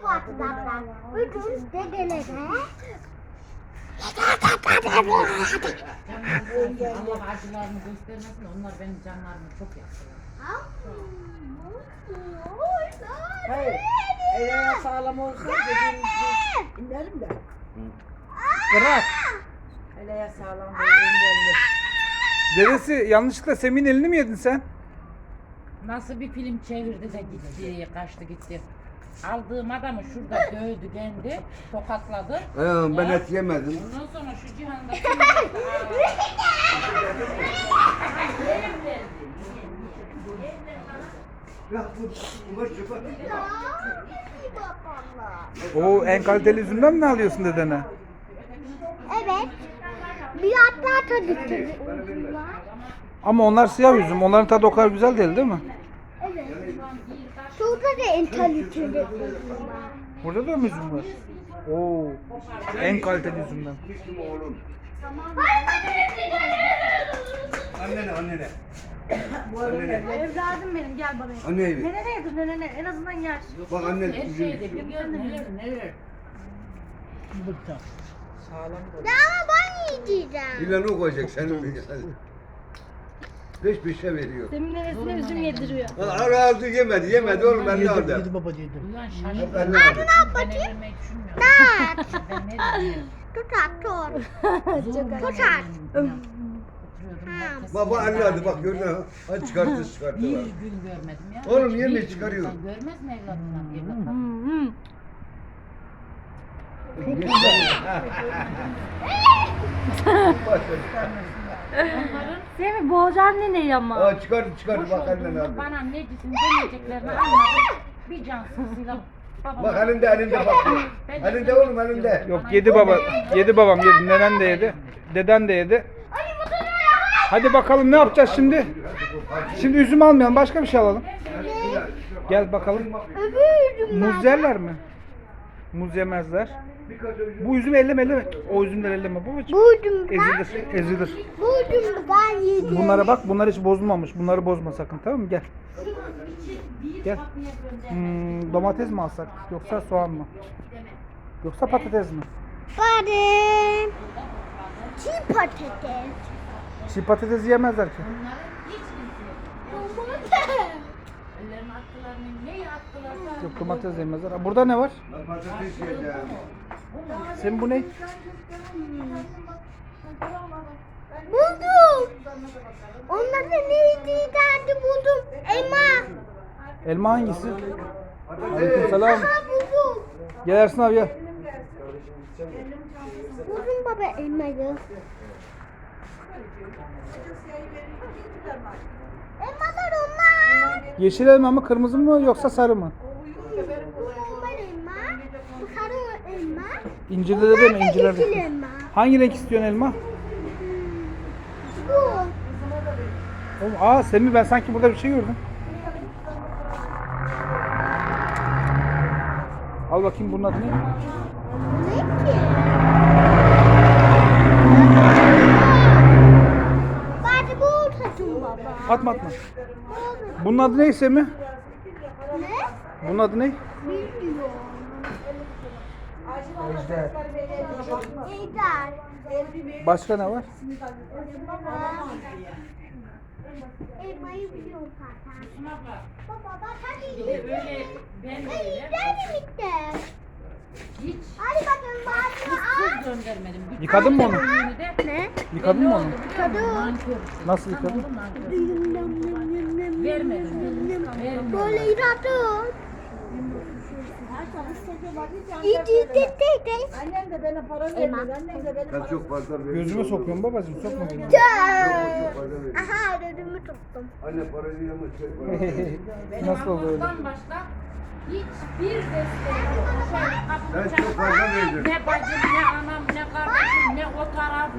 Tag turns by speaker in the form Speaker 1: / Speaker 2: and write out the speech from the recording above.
Speaker 1: atlarlar. Bütün dedelere.
Speaker 2: Allah acılarını göstermesin, onlar benim canlarımı çok yakıyor.
Speaker 3: Hayır. Eğer sağlam olsa dediğimiz gibi inerim de.
Speaker 4: Bırak.
Speaker 3: Hele sağlam böyle
Speaker 4: Dedesi yanlışlıkla Semih'in elini mi yedin sen?
Speaker 2: Nasıl bir film çevirdi de gitti, kaçtı gitti. Aldığım adamı şurada dövdü kendi, tokatladı.
Speaker 5: Ben
Speaker 2: Ya,
Speaker 5: et yemedim.
Speaker 2: Ondan sonra şu cihanda
Speaker 4: O en kaliteli üzümden mi alıyorsun dedene?
Speaker 1: Evet. Bilatlar tadı var.
Speaker 4: Ama onlar siyah üzüm. Onların tadı o kadar güzel değil mi?
Speaker 1: Evet. Şurada da en kaliteli var.
Speaker 4: Burada da mı üzüm var? Oo. En kaliteli üzümden.
Speaker 5: Annene.
Speaker 6: Evladım benim gel bana.
Speaker 5: Anne evi.
Speaker 6: Nene yedir nene en azından yer.
Speaker 5: Bak anne
Speaker 2: her şeyde biliyorum neler.
Speaker 1: Ya ama ben yiyeceğim.
Speaker 5: İlan o koyacak senin. Peş peşe veriyor.
Speaker 6: Demin nenesine üzüm yediriyor.
Speaker 5: Aldı yemedi oğlum ben ne aldım.
Speaker 2: Ulan şaşırdım.
Speaker 5: Ben ne aldım.
Speaker 2: Ben evlenmeyi düşünmüyorum.
Speaker 1: Dert.
Speaker 2: Ben ne diyeyim?
Speaker 1: Tutar tut.
Speaker 2: Tutar.
Speaker 5: Baba anladı bak gördün mü? Hadi çıkarttı
Speaker 2: Bir
Speaker 5: var.
Speaker 2: gün görmedim ya.
Speaker 5: Oğlum
Speaker 2: Hiç
Speaker 5: yeme,
Speaker 2: bir gün
Speaker 5: çıkarıyor.
Speaker 2: insan görmez mi evlatından? Onların
Speaker 6: Semih boğacan neneyi ama.
Speaker 5: Aa çıkardı
Speaker 2: boş
Speaker 5: bak annen
Speaker 2: olduğunu,
Speaker 5: aldı.
Speaker 2: bana necisin demeyeceklerini anladım. Bir cansızıyla babam.
Speaker 5: Bak elinde bak. Elinde oğlum elinde.
Speaker 4: Yok yedi baba. Yedi babam yedi. Nenen de yedi. Deden de yedi. Hadi bakalım ne yapacağız şimdi? Şimdi üzüm almayalım. Başka bir şey alalım. Gel bakalım. Muz yerler mi? Muz yemezler. Bu üzüm elleme. O üzümler elleme babacığım.
Speaker 1: Buldum ben.
Speaker 4: Ezilir.
Speaker 1: Buldum ben yedim.
Speaker 4: Bunlara bak. Bunlar hiç bozulmamış. Bunları bozma sakın, tamam mı? Gel. Gel. Domates mi alsak? Yoksa soğan mı? Yoksa patates mi?
Speaker 1: Badem. Çiğ patates.
Speaker 4: Çiğ patates yemezler ki.
Speaker 2: Ellerine attılarını neyi attılar?
Speaker 4: Yok, domates yemezler. Burada ne var?
Speaker 5: Ben patates yiyeceğim.
Speaker 4: Senin bu ne?
Speaker 1: Buldum. Onların neydi derdi buldum. Elma.
Speaker 4: Elma hangisi? Aleykümselam.
Speaker 1: Ha buldum.
Speaker 4: Gel Ersin abi gel.
Speaker 1: Buldum baba elmayı. Elmalar onlar.
Speaker 4: Yeşil elma mı, kırmızı mı yoksa sarı mı?
Speaker 1: Bu normal elma. Bu sarı elma.
Speaker 4: İncirli de mi? İncirli
Speaker 1: Yeşil
Speaker 4: de.
Speaker 1: elma.
Speaker 4: Hangi renk istiyorsun elma?
Speaker 1: Bu.
Speaker 4: Oğlum, Semih ben sanki burada bir şey gördüm. Al bakayım bunun adı ne?
Speaker 1: Ne ki? Bari bu tadım baba.
Speaker 4: Atma. Bunun adı ne Semih?
Speaker 1: Ne?
Speaker 4: Bunun adı ne?
Speaker 1: Bilmiyorum.
Speaker 4: Ejder.
Speaker 1: Ejder.
Speaker 4: Başka ne var?
Speaker 1: Elmayı biliyorum zaten. Baba bak hadi.
Speaker 2: Böyle ben de öyle.
Speaker 1: Ejder mi bitti?
Speaker 2: Hiç
Speaker 1: Hadi bakalım bari
Speaker 2: kız göndermedim. Bütün
Speaker 4: Yıkadın mı onu?
Speaker 2: ürünü de-
Speaker 1: Ne?
Speaker 4: Yıkadın mı onu?
Speaker 2: Yıkadım. Nankör.
Speaker 4: Nasıl
Speaker 2: Tam
Speaker 4: yıkadın?
Speaker 2: oğlum nankör. Vermedim.
Speaker 1: Böyle yıkadım. İyi.
Speaker 3: Annem de bana para vermedi. Annem de bana
Speaker 5: Ben çok fazla veriyorum.
Speaker 4: Gözüme sokuyorum babacığım, sokma gözüme.
Speaker 1: Aha ödümü tuttum.
Speaker 5: Anne parayı ama şey para.
Speaker 4: Nasıl oldu öyle?
Speaker 2: Allah'tan başka hiçbir desteği yok.
Speaker 5: Ben çok fazla verdim.
Speaker 2: Ne bacım, ne anam, ne kardeşim, ne o taraf.